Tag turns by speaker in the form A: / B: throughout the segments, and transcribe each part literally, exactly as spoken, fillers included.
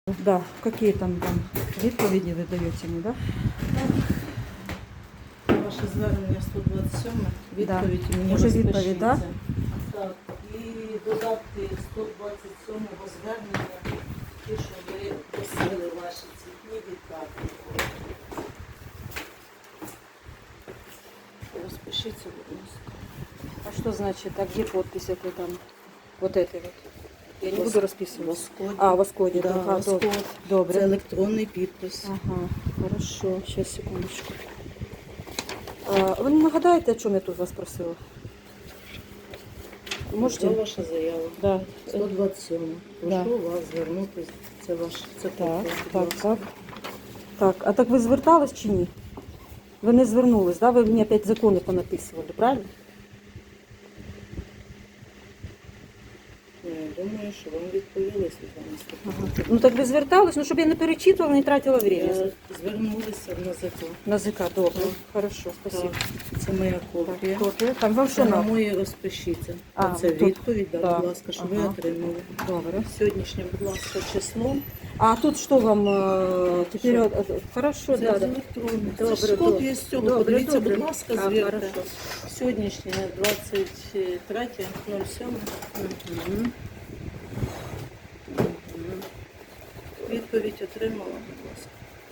A: Да, какие там там відповіді ви даєте мені, да?
B: Ваше звернення сто двадцять сім, відповідь
A: Да.
B: мені
A: Уже
B: розпишіться.
A: відповідь, да?
B: Так, і додатки сто двадцять сьомого звернення, ті, що ви просили ваші цвітні віддати. Розпишіться, будь ласка.
A: А что значит, а где подпись это там? Вот этой вот. Я не
B: Вос-
A: буду расписывать.
B: Воскоді.
A: А, Воскоді,
B: Да,
A: ага,
B: Воскод.
A: добре. Добре.
B: Це електронний підпис.
A: Ага, хорошо. Сейчас, секундочку. А, ви не нагадаєте, о чому я тут вас просила? Можете?
B: Це ваша заява.
A: Да.
B: сто двадцять сім.
A: Да.
B: Прошу вас звернутися. Це ваш. Це
A: Так,
B: копія, будь
A: так,
B: ласка.
A: так. Так, а так ви звертались чи ні? Ви не звернулись, да? Ви мені опять закони понаписували, правильно?
B: Я думаю, що вам відповіли, Світлана Степанівна.
A: Ага. Ну так ви звертались, ну щоб я не перечитувала, не тратила время.
B: Е, Звернулися на закон.
A: На язика, добре.
B: Так.
A: Хорошо, спасибо.
B: Так, це моя копія.
A: Так, копія. Там вам
B: Це
A: що
B: на
A: надо?
B: моє розпишіться.
A: А,
B: Це
A: тут.
B: відповідь, да,
A: Да.
B: будь ласка, що ви
A: Ага.
B: отримали.
A: Добре.
B: Сьогоднішнє, будь ласка, число.
A: А тут что вам э, теперь?
B: Що?
A: э, Хорошо,
B: Це
A: да,
B: з
A: да.
B: електронних. Це
A: Добре,
B: ж
A: добре.
B: копія з цього.
A: Добре,
B: Подивіться,
A: добре.
B: будь ласка,
A: А,
B: звірте.
A: хорошо.
B: Сьогоднішнє двадцять третє ноль сім.
A: Мгм.
B: Відповідь отримала, будь ласка.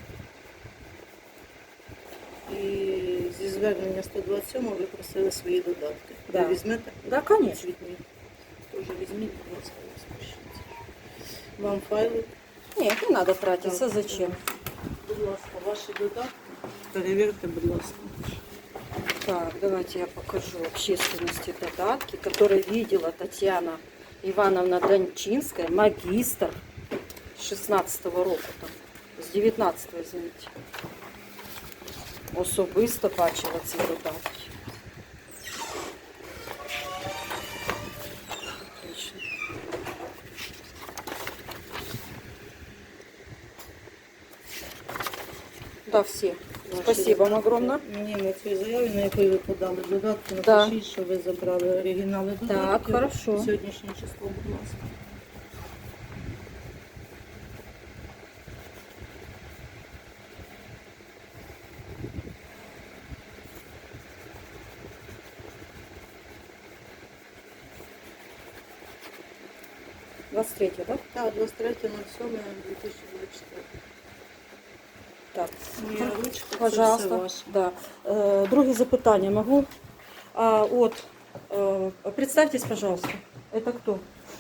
B: І зі звернення сто двадцять сім ви просили свої додатки.
A: Да.
B: Ви візьмете?
A: Да, конечно.
B: Цвітні. Теж візьміть, будь ласка, розпишіться. Вам файли.
A: Нет, не надо тратиться,
B: Так.
A: зачем?
B: Будь ласка, ваші додатки. Перевірте, будь ласка.
A: Так, давайте я покажу общественности додатки, которые видела Татьяна Ивановна Дончинская, магистр с шестнадцатого року, там, с девятнадцатого, извините. Особисто бачила ці додатки. Отлично. Да, все. Спасибо вам огромное.
B: Мені на цій заяві, на якій ви подали додатки,
A: Да.
B: напишіть, що ви забрали оригінали додатків.
A: Так, хорошо.
B: Сьогоднішнє число, будь ласка.
A: двадцать третье, да?
B: Так, двадцять третє сьоме дві тисячі двадцять четвертого.
A: Так.
B: Моя ручка, це все
A: Пожалуйста.
B: ваше.
A: Да. Е, друге запитання могу. А, от, е, представтесь, пожалуйста. Это кто?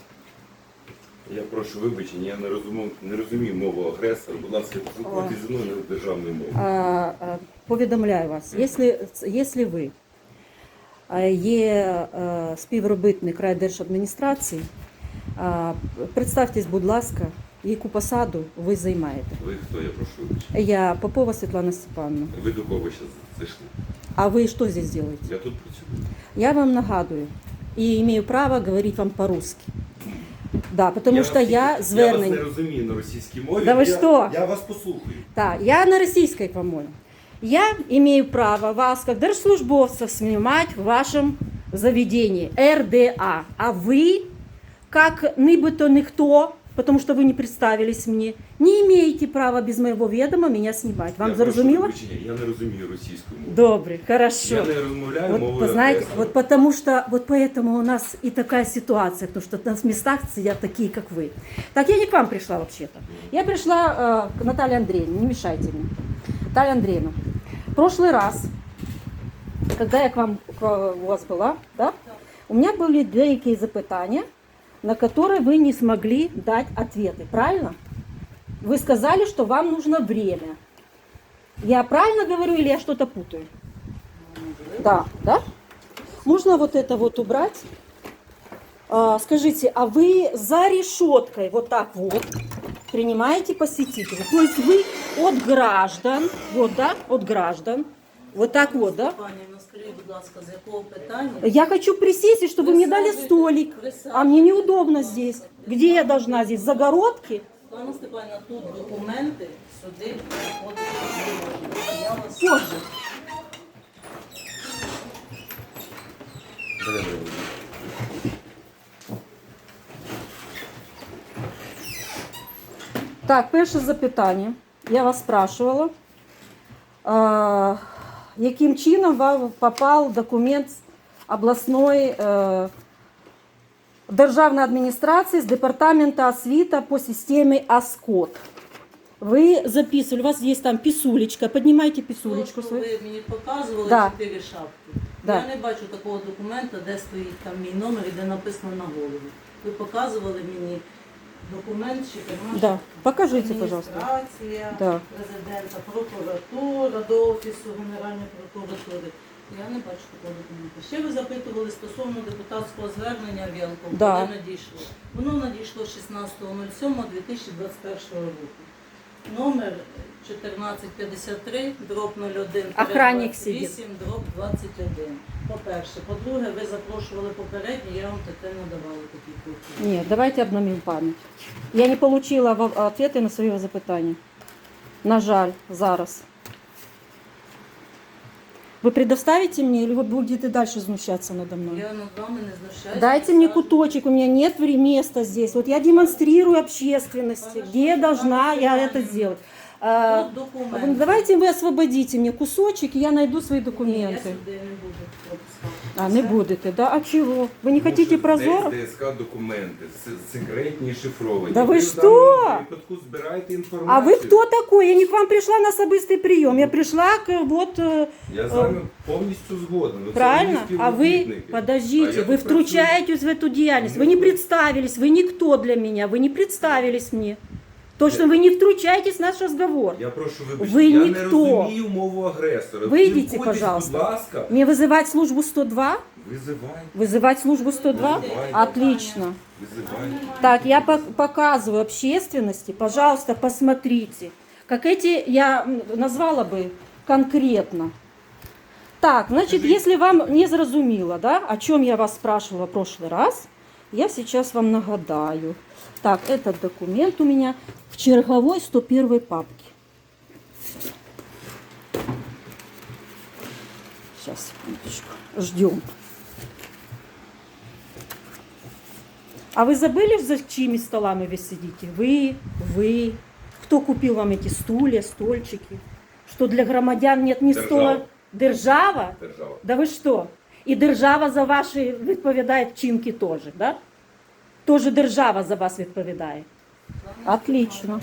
C: Я прошу вибачення, я не розумію, не розумію мову агресора. Будь ласка, спілкуйтесь зі мною на державною мовою.
A: А, а, повідомляю вас, якщо, якщо ви е, є е, співробітник райдержадміністрації, а, представтесь, будь ласка, яку посаду ви займаєте.
C: Ви хто, я прошу вибачення.
A: Я Попова Світлана Степановна.
C: Ви до кого зараз зайшли?
A: А ви що здесь делаете?
C: Я тут працюю.
A: Я вам нагадую и имею право говорить вам по-русски. Да, потому
C: я
A: что
C: вас-
A: я
C: Я вас
A: звернень.
C: не розумію на російській мові.
A: Да ви
C: я,
A: що?
C: Я вас послухаю.
A: Так, я на российской, по-моему. Я имею право вас, как держслужбовца, снимать в вашем заведении эр дэ а. А вы, как нібито никто, потому что вы не представились мне, не имеете права без моего ведома меня снимать. Вам
C: я
A: зрозуміло?
C: прошу вибачення, я не розумію російську мову.
A: Добре, хорошо.
C: Я не розмовляю
A: Вот,
C: мовою
A: вы знаете,
C: агресора.
A: вот потому что, вот поэтому у нас и такая ситуация, потому что на местах сидят такие, как вы. Так, я не к вам пришла вообще-то. Я пришла э, к Наталье Андреевне, не мешайте мне. Наталья Андреевна, в прошлый раз, когда я к вам, к, у вас была, да, у меня были деякие запытания, на которые вы не смогли дать ответы, правильно? Вы сказали, что вам нужно время. Я правильно говорю или я что-то путаю? Да, да? Можно вот это вот убрать? А, скажите, а вы за решеткой вот так вот принимаете посетителей? То есть вы от граждан, вот, да, от граждан, вот так вот, да?
B: Пані, ну скажіть, будь ласка, з якого питання?
A: Я хочу присесть, и чтобы мне дали столик, а мне неудобно здесь. Где я должна здесь? В загородке?
B: Пане Степанівна, тут документи, сюди приходити не можна. Я вас...
A: Позже.
C: Давай, давай.
A: Так, перше запитання. Я вас спрашивала, е, яким чином вам попав документ обласної е, державної адміністрації з департаменту освіти по системі АСКОД. Ви записували, у вас є там писулечка, піднімайте писулечку
B: То, що
A: свою.
B: ви мені показували
A: Да.
B: чотири шапки.
A: Да.
B: Я не бачу такого документа, де стоїть там мій номер і де написано на голові. Ви показували мені документ чотирма
A: Да. Покажите, пожалуйста.
B: Адміністрація,
A: Да.
B: президента, прокуратура, до Офісу Генеральної прокуратури. Я не бачу такого документу. Ще ви запитували стосовно депутатського звернення Вілкова,
A: Да.
B: коли надійшло. Воно надійшло шістнадцятого дві тисячі двадцять першого року. Номер чотирнадцять п'ятдесят три, дроб нуль один,
A: Охранник
B: двадцять
A: сидить.
B: вісім, дроб двадцять один. По-перше. По-друге, ви запрошували попередньо, я вам таке надавала такі копії.
A: Ні, давайте обновимо пам'ять. Я не отримала відповіді на свої запитання. На жаль, зараз. Вы предоставите мне, или вы будете дальше знущаться надо мной?
B: Я над вами не знущаюся.
A: Дайте мне куточек, у меня нет вре- места здесь. Вот я демонстрирую общественности, где я должна я это сделать. А,
B: Тут документи.
A: вы- давайте вы освободите мне кусочек, и я найду свои
B: Ні, я
A: документы.
B: сюди не буду пропускати.
A: А, не будете, да? А чего? Вы не хотите прозоро?
C: Десь ДСК документи, с- секретні і шифровані.
A: Да ви
C: в
A: що?
C: даному випадку збираєте
A: А
C: інформацію.
A: вы кто такой? Я не к вам пришла на особистый прием. Я пришла к вот... э,
C: Я з вами повністю згоден. Ви
A: Правильно?
C: це мої
A: А вы,
C: співробітники.
A: подождите,
C: А я
A: вы
C: тут
A: втручаетесь в эту деятельность. Вы не представились, вы никто для меня, вы не представились мне. То, что вы не втручаетесь в наш разговор.
C: Я прошу вибачення,
A: Ви
C: я
A: ніхто.
C: не розумію мову агресора.
A: Выйдите,
C: Спілкуйтесь,
A: пожалуйста.
C: будь ласка.
A: Мне вызывать службу сто два?
C: Визивай,
A: Вызывать службу сто два?
C: Вызывайте.
A: Отлично.
C: визивай.
A: Так, я пок- показываю общественности, пожалуйста, посмотрите. Как эти я м, назвала бы конкретно. Так, значит, если вам не зрозуміло, да, о чем я вас спрашивала в прошлый раз, я сейчас вам нагадаю. Так, этот документ у меня в черговой сто первой папке. Сейчас, секундочку, ждем. А вы забыли, за чьими столами вы сидите? Вы, вы. Кто купил вам эти стулья, стольчики? Что для громадян нет ни
C: Держава.
A: стола? Держава?
C: Держава.
A: Да ви що? І держава за ваші відповідає вчинки теж, да? Тоже держава за вас відповідає. Отлично.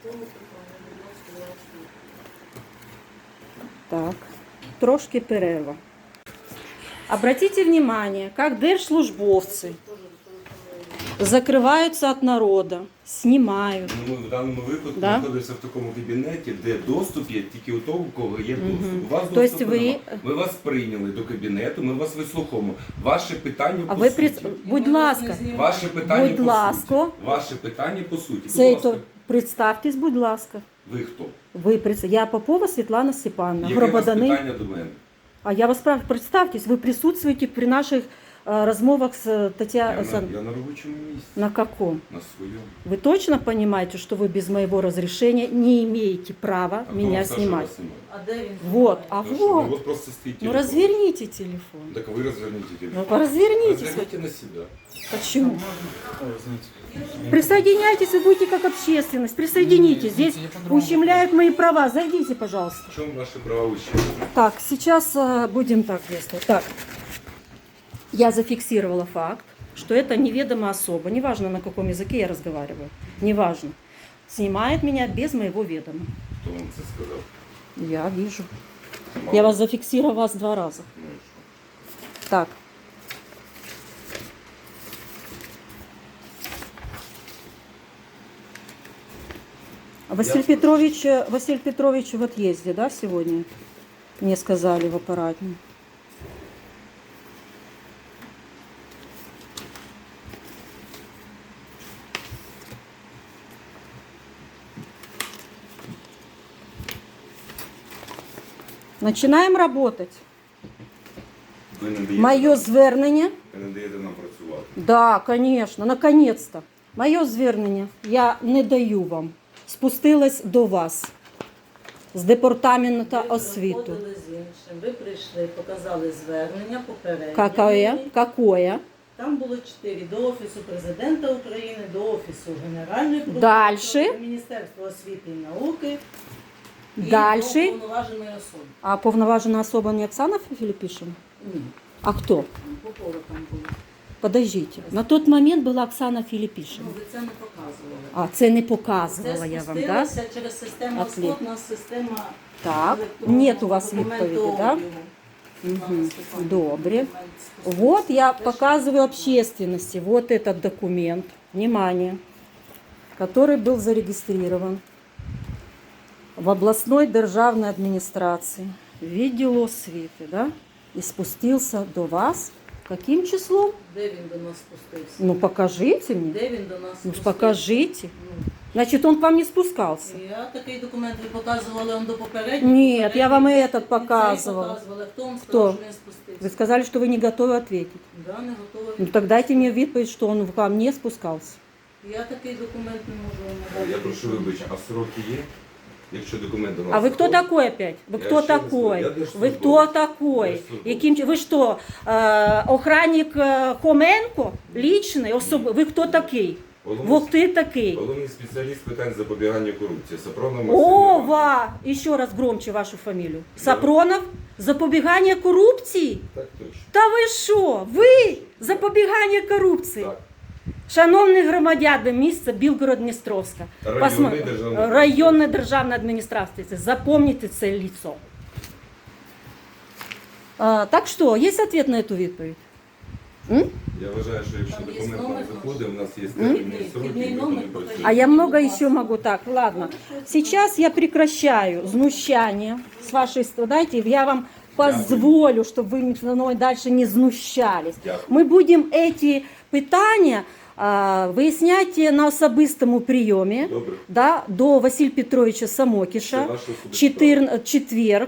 A: Так, трошки перерва. Обратите внимание, как держслужбовцы закрываются от народа, снимают.
C: Ну, ми в даному випадку
A: Да?
C: знаходимося в такому кабінеті, де доступ є тільки у того, у кого є доступ.
A: Мгм.
C: У вас
A: То есть
C: доступу
A: ви-
C: нема. Ми вас прийняли до кабінету, ми вас вислуховуємо. Ваше питання
A: А
C: по
A: ви
C: суті.
A: при... будь ласка,
C: Ваше питання
A: Будь
C: по
A: ласка.
C: суті. Ваше питання по суті. Будь
A: цей
C: ласка,
A: то представтесь, будь ласка.
C: ви хто?
A: Ви прис- я Попова Світлана Степановна,
C: Яке у вас
A: громадянин.
C: питання до мене?
A: А я вас прав... представьтесь, вы присутствуете при наших э, размовах с
C: Я,
A: Татьяной.
C: на, я на робочому місці,
A: На каком?
C: на своєму.
A: Вы точно понимаете, что вы без моего разрешения не имеете права
C: А хто
A: меня
C: вам сказав, що
A: снимать?
C: вас немає?
B: А де він?
A: Вот, а
C: Тому що,
A: вот.
C: Ну, от просто стоїть
A: Ну
C: телефон.
A: разверните телефон.
C: Так ви розверніть телефон.
A: Ну развернитесь.
C: Разверните на себя.
A: Почему? Присоединяйтесь, вы будете как общественность. Присоединитесь. Здесь ущемляют мои права. Зайдите, пожалуйста.
C: В чому ваші права ущемлені?
A: Так, сейчас э, будем так действовать. Так, я зафиксировала факт, что это неведомая особа, неважно на каком языке я разговариваю, неважно, снимает меня без моего ведома.
C: Хто вам це сказав?
A: Я вижу.
C: Мало.
A: Я вас зафиксировала вас два раза.
C: Ну, і що?
A: Так. Василий
C: Я-
A: Петрович, э, Василий Петрович в отъезде, да, сегодня? Мне сказали в аппаратне. Начинаем работать.
C: Ви не даєте,
A: Мое
C: нам-
A: звернення.
C: ви не даєте нам працювати.
A: Да, конечно, наконец-то. Моє звернення я не даю вам. Спустилась до вас з департаменту
B: Ви
A: освіту.
B: приходили з іншим. Ви прийшли, показали звернення попередньо.
A: Какое? Какое?
B: Там було чотири. До Офісу Президента України, до Офісу Генеральної прокуратури,
A: Дальше.
B: до Міністерства освіти і науки і
A: Дальше.
B: до повноваженої особи.
A: А повноважена особа не Оксана Филиппишина?
B: Ні,
A: А кто?
B: Попова там було.
A: Подождите. На тот момент была Оксана Филиппишина.
B: Ну, ви це не показували.
A: А, це не
B: Це
A: показувала я вам, да?
B: спустилося через систему
A: Отлично.
B: ОСКОД, у нас система
A: Так,
B: електронного
A: нет у вас відповіді, да?
B: документообігу.
A: Мгм.
B: Степанівна,
A: Добре.
B: документ спустився.
A: Вот я
B: Теж
A: показываю общественности вот этот документ, внимание, который был зарегистрирован в областной державной администрации, відділу освіти, да? И спустился до вас. Каким числом?
B: Де він до нас спустився?
A: Ну покажите мне.
B: Де він до нас
A: Ну
B: спустився?
A: покажите.
B: Ну,
A: Значит, он к вам не спускался.
B: я такий документ ви показували он до попереднього.
A: Ні, я вам і
B: Попередній,
A: этот
B: і цей
A: показувала.
B: показували. Хто вам
A: Хто?
B: сказав, що він спустився?
A: Вы сказали, что вы не готовы ответить.
B: Да, не готовий.
A: Ну так дайте мне відповідь, что он к вам не спускался.
B: Я такий документ не можу вам
C: Я
B: надати.
C: прошу вибачення, а сроки є? Якщо документ до нас
A: А вы кто
C: заходить?
A: такой опять? Вы
C: Я
A: кто
C: ще раз
A: такой?
C: говорю, я
A: Вы
C: держслужбовець.
A: кто такой?
C: Держслужбовець.
A: Яким чи- Вы что, э, охранник э, Хоменко? Личный? Особи? Вы кто такой?
C: Головний-
A: Вот ты такой.
C: Головний спеціаліст питань запобігання корупції. Сапронов
A: Ова! Еще раз громче вашу фамилию. Сапронов? Запобігання корупції?
C: Так точно.
A: Та ви що? Ви? Запобігання корупції?
C: Так.
A: Шановні громадяни міста Білгород-Дністровська,
C: Районна
A: посмо-
C: державна
A: районна державна адміністрація, запомните це лицо. А, так що, є відповідь на цю відповідь? М?
C: Я вважаю, що якщо
B: Там є
C: документ
B: номер
C: нам
B: наш?
C: заходить, у нас є
B: Вхідний-
C: термінні сроки,
B: вхідний
C: ми
B: номер
C: будемо
B: покажіть.
A: А я много еще могу. Так, ладно. Сейчас я прекращаю знущание с вашей стороны. Дайте, я вам позволю, чтобы вы со мной дальше не знущались.
C: Дякую.
A: Мы будем эти питания а, виясняти на особистому прийомі,
C: Добре.
A: да, до Василя Петровича
C: Це
A: Самокіша,
C: ваше особисте
A: чотир... четверг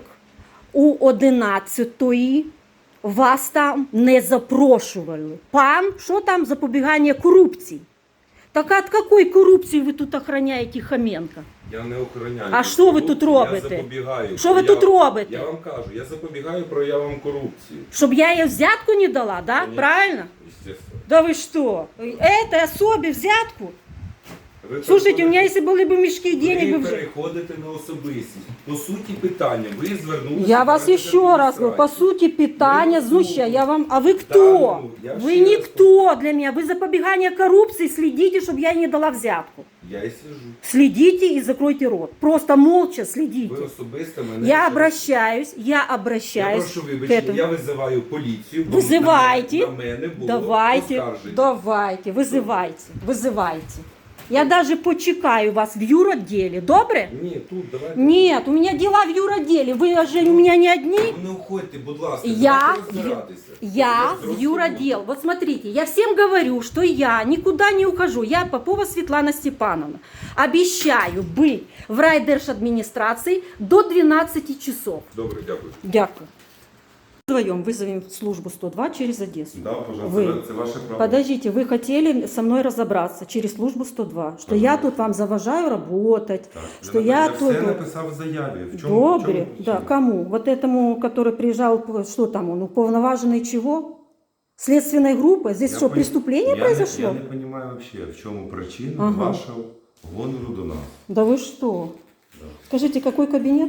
A: у одинадцятої. Вас там не запрошували. Пан, що там запобігання корупції? Так от какой корупції ви тут охороняєте Хоменка?
C: Я не охороняю.
A: А що ви тут робите?
C: Я запобігаю.
A: Що ви тут
C: прояв-
A: робите?
C: Я вам кажу, я запобігаю проявам корупції.
A: Щоб я їй взятку не дала, да?
C: Конечно.
A: Правильно?
C: Естественно.
A: Да вы что? Этой особе взятку?
C: Ви
A: Слушайте, у меня
C: переходите-
A: если были бы мешки денег,
C: Ви
A: бы вже...
C: переходите на особистість. По суті питання, ви звернулися...
A: Я вас
C: до
A: еще раз говорю, по
C: адміністрації.
A: сути, питание
C: Ви
A: знуща. Я вам... А вы
C: Да,
A: кто?
C: ну, я
A: Вы
C: ще раз
A: никто для меня. Вы запобегание коррупции следите, чтобы я не дала взятку.
C: Я і сижу.
A: Следите и закройте рот. Просто молча следите.
C: Ви особисто мене...
A: Я
C: ще-
A: обращаюсь, я
C: Я
A: обращаюсь
C: прошу
A: к
C: вибачення,
A: этому.
C: я визиваю поліцію. бо
A: Визивайте.
C: На мене, на мене було
A: Давайте,
C: оскарження.
A: давайте, вызывайте, вызывайте. Я даже почекаю вас в юротделе, добре?
C: Ні, тут давайте.
A: Нет, у меня дела в юротделе. Вы же у меня не одни.
C: Ну, не уходьте, будь ласка,
A: Я,
C: давайте розбиратися.
A: я
C: Ви
A: в
C: зрозуміли.
A: юротдел. Вот смотрите, я всем говорю, что я никуда не ухожу. Я Попова Светлана Степановна. Обещаю быть в райдержадминистрации до двенадцати часов.
C: Добре, дякую.
A: Дякую. Вдвоем вызовем службу сто два через Одессу.
C: Да, пожалуйста,
A: Ви.
C: це ваше право.
A: Подождите, вы хотели со мной разобраться через службу сто два, что я тут вам заважаю работать,
C: Так,
A: что
C: я,
A: я
C: я
A: тут...
C: все написав в заяві. В чому, в
A: Добре,
C: чому
A: да,
C: причина?
A: кому? Вот этому, который приезжал, что там он, уполноваженный чего? Следственной группы? Здесь
C: Я
A: что,
C: пон-
A: преступление
C: я
A: произошло?
C: Не, я не розумію взагалі, в чому причина
A: Ага.
C: вашого гонору до нас.
A: Да вы что?
C: Да.
A: Скажите, какой кабинет?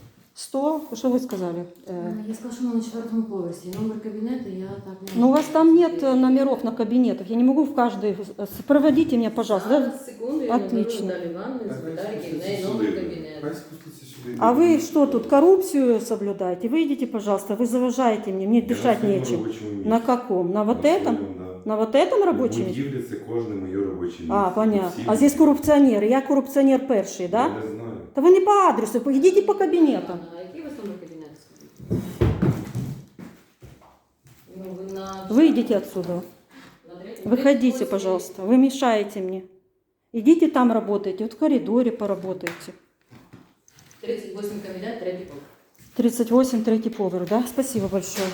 A: сто? Что вы сказали? Э,
D: Я сказала, що вона на четвертому поверсі. Номер кабінету я так не
A: Ну, у вас там нет э, номеров на кабинетах. Я не могу в каждый... э, Проводите меня, пожалуйста. Да?
D: Зараз, секунду, я
A: Отлично.
D: наберу Далі Івановну, запитаю, який в неї номер кабінету.
C: Хай спуститься сюди.
A: А вы что тут, коррупцию соблюдаете? Выйдите, пожалуйста, вы заважаете мне, мне
C: Я
A: дышать
C: на своєму
A: нечем.
C: робочому місці.
A: На каком? На вот
C: На
A: этом?
C: своєму, да.
A: На вот этом рабочем?
C: В будівлі це кожне моє робоче місце.
A: А, понятно.
C: Всі-
A: А здесь коррупционеры. Я коррупционер перший,
C: Я
A: да?
C: не знаю.
A: Да вы не по адресу, идите по кабинетам.
D: А який у вас номер кабінету? Ну, ви на...
A: Выйдите отсюда.
D: на третьому
A: Выходите,
D: поверсі.
A: пожалуйста. Вы мешаете мне. Идите там работайте. Вот в коридоре поработайте.
D: тридцять восьмий кабінет, третій поверх.
A: тридцать восемь, третий поверх, да? Спасибо большое.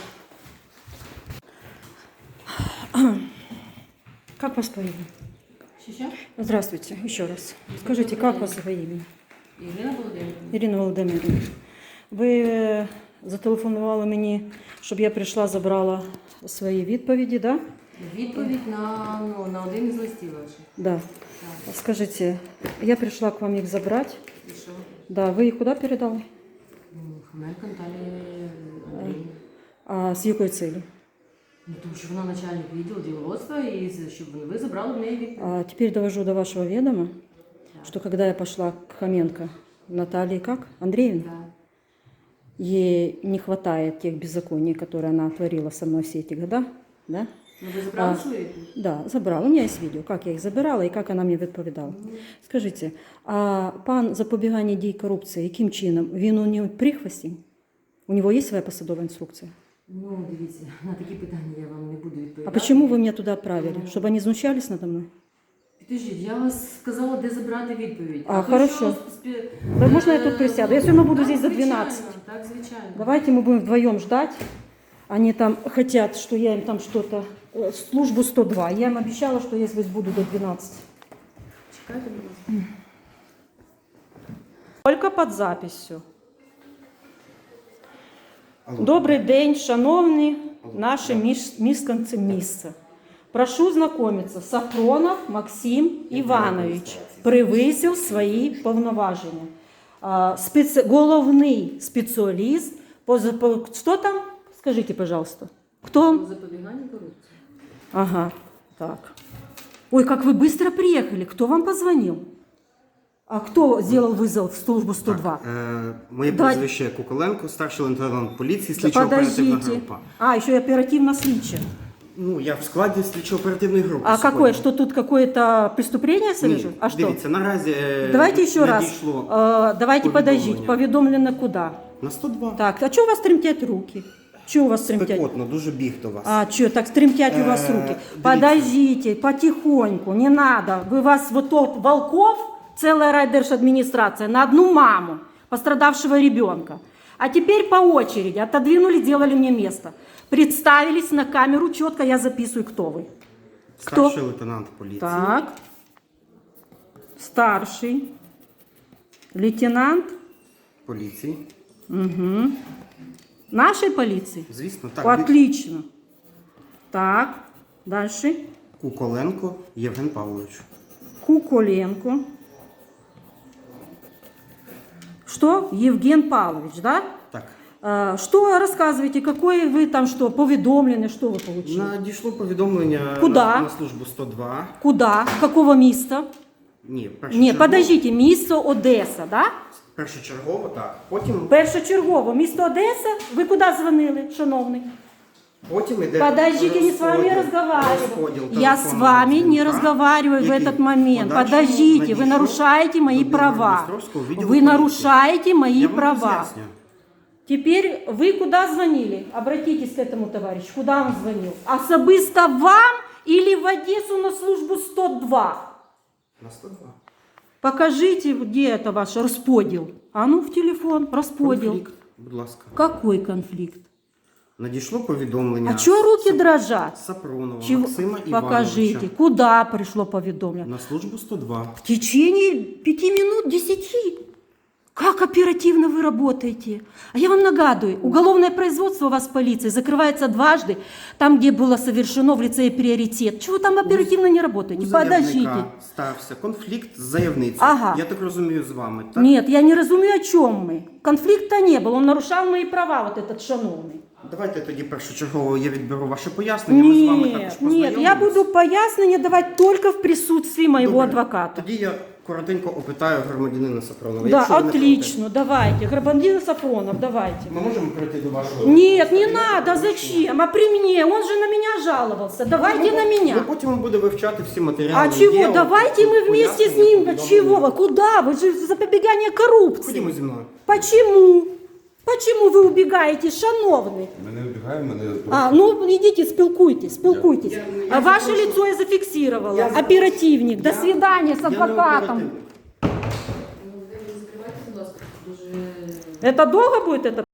A: Как вас по имени?
D: Що, що?
A: Здравствуйте, еще раз. Скажите, как вас по имени?
D: Ірина Володимирівна.
A: Ірина Володимирівна, ви е, зателефонували мені, щоб я прийшла, забрала свої відповіді, да?
D: Відповідь на, ну, на один із листів ваших.
A: Да.
D: Так.
A: Скажите, я пришла к вам их забрать.
D: І що?
A: Да, вы их куда передали?
D: Ну, Хоменко Наталія Андріївна.
A: А с якой целью?
D: Ну, тому що вона начальник відділу діловодства, і з- щоб ви забрали в неї відповідь.
A: А теперь довожу до вашего ведома, что когда я пошла к Хоменко Наталье как? Андреевне,
D: Да.
A: ей не хватает тех беззаконий, которые она творила со мной все эти года. Да?
D: Ну, ви забрали
A: А,
D: свою відповідь?
A: Да, забрала. У меня есть видео, как я их забирала и как она мне відповідала. Скажите, а пан запобігання дій корупції, яким чином? Він у нього прихвостень? У него есть своя посадовая инструкция?
D: Ну, дивіться, на такі питання я вам не буду
A: А
D: відповідати.
A: почему вы меня туда отправили? Чтобы они знущались надо мной?
D: Підождіть, я вас сказала, де забрати відповідь.
A: А,
D: ви
A: хорошо.
D: що, спі-
A: Да можно я
D: Е,
A: тут присяду? Я все равно буду
D: так,
A: здесь за
D: звичайно,
A: двенадцать.
D: Так, звичайно.
A: Давайте мы будем вдвоем ждать. Они там хотят, что я им там что-то... э, Службу сто два. Я им обещала, что я здесь буду до двенадцати.
D: Чекайте, будь ласка.
A: Только под записью. Добрий день, шановні наші між- мешканці міста. Прошу знайомитися. Сафронов Максим Іванович превысив свої повноваження. А, спеці... Головний спеціаліст по... за- по... Що там? Скажіть, пожалуйста. Хто?
D: Запобігання корупції.
A: Ага, так. Ой, как вы быстро приехали. Кто вам позвонил? А кто сделал вызов в службу сто два?
E: Так, е, моє
A: Давай.
E: прізвище Куколенко, старший лейтенант поліції,
A: Да
E: слідчо-оперативна
A: подождите.
E: група.
A: А, еще и оперативно слідча.
E: Ну, я в складі слідчо-оперативної групи.
A: А
E: сьогодні.
A: какое? Что тут какое-то преступление совершено?
E: Ні,
A: А что?
E: дивіться, наразі е,
A: Давайте еще раз.
E: надійшло
A: Э, давайте подождите.
E: повідомлення.
A: Поведомлено куда?
E: на сто два.
A: Так, а что у вас тремтят руки? Что у вас тремтят?
E: Спекотно, дуже біг до вас.
A: А что, так тремтят у вас
E: Э,
A: руки?
E: дивіться.
A: Подождите, потихоньку, не надо. Вы вас вот тот Волков, целая райдержадминистрация, на одну маму пострадавшего ребенка. А теперь по очереди отодвинули, сделали мне место. Представились на камеру четко, я записываю, кто вы. Кто?
E: Старший лейтенант поліції.
A: Так. Старший лейтенант
E: Поліції.
A: нашей полиции.
E: Звісно, так.
A: Отлично. Так, дальше.
E: Куколенко Євген Павлович.
A: Куколенко. Что? Евген Павлович, да?
E: Так.
A: А, что рассказываете, какое вы там что, поведомлены, что вы получили?
E: Надійшло повідомлення
A: Куда?
E: на, на службу сто два.
A: Куда? Какого места?
E: Ні,
A: Нет,
E: першочергово.
A: подождите, місто Одеса, да?
E: Першочергово, так. Потім,
A: Першочергово, місто Одеса. Ви куди дзвонили, шановний?
E: потім іде
A: Подождите, не с вами
E: розподіл-
A: разговариваю.
E: розподіл
A: Я с
E: телефонного
A: вами не
E: дзвінка,
A: разговариваю в
E: який
A: этот момент.
E: подальшому
A: Подождите, вы
E: надійшов
A: нарушаете мои
E: до
A: права.
E: Білгород-Дністровського відділу
A: Вы
E: поліції.
A: нарушаете мои
E: Я вам
A: права.
E: роз'ясню.
A: Теперь вы куда звонили? Обратитесь к этому товарищу. Куда он звонил? Особисто вам или в Одессу на службу сто два?
E: На сто два.
A: Покажите, где это ваш расподел. А ну в телефон, расподел.
E: Конфлікт, будь ласка.
A: Какой конфликт?
E: Надійшло повідомлення.
A: А чего руки дрожат?
E: Сапронова
A: Чего?
E: Максима
A: Покажите,
E: Івановича.
A: куда пришло поведомление?
E: На службу сто два.
A: В течение пяти минут, десяти. Как оперативно вы работаете? А я вам нагадываю, уголовное производство у вас в полиции закрывается дважды, там, где было совершено в лицее приоритет. Чего там оперативно не работаете?
E: У заявника
A: Подождите.
E: стався конфлікт з заявницею.
A: Ага.
E: Я так розумію, з вами, так?
A: Нет, я не разумею, о чем мы. Конфликта не было, он нарушал мои права, вот этот шановный.
E: Давайте тоді першочергово я відберу ваше пояснення. Ми з вами також
A: Нет, нет, я
E: познайомимось.
A: буду пояснения давать только в присутствии моего
E: Добре.
A: адвоката.
E: Тоді я коротенько опитаю громадянина Сапронова.
A: Да,
E: якщо ви не
A: отлично, давайте. Грабандин Сафронов, давайте.
E: проти. Ми можемо пройти до вашого...
A: Нет, не надо, зачем? А при мне, он же на меня жаловался. Давайте на
E: Ви
A: меня.
E: потім буде вивчати всі матеріали.
A: А чего?
E: діла,
A: Давайте мы вместе с
E: пояснення,
A: ним.
E: повідомлення.
A: Чего? вы? Куда? Вы же запобегание коррупции.
E: Ходімо зі мною.
A: Почему? Почему вы убегаете, шановный?
C: Ми не вбігаємо, мене
A: А, ну идите, спілкуйтесь, спілкуйтесь.
E: Я- я
A: А ваше
E: запрошу.
A: лицо я зафиксировала.
E: Я запрошу.
A: Оперативник. До
E: Я-
A: свидания с
E: Я не
A: адвокатом.
E: оперативник.
D: Ну, ви закривайте, будь ласка, дуже...
A: Это долго будет это?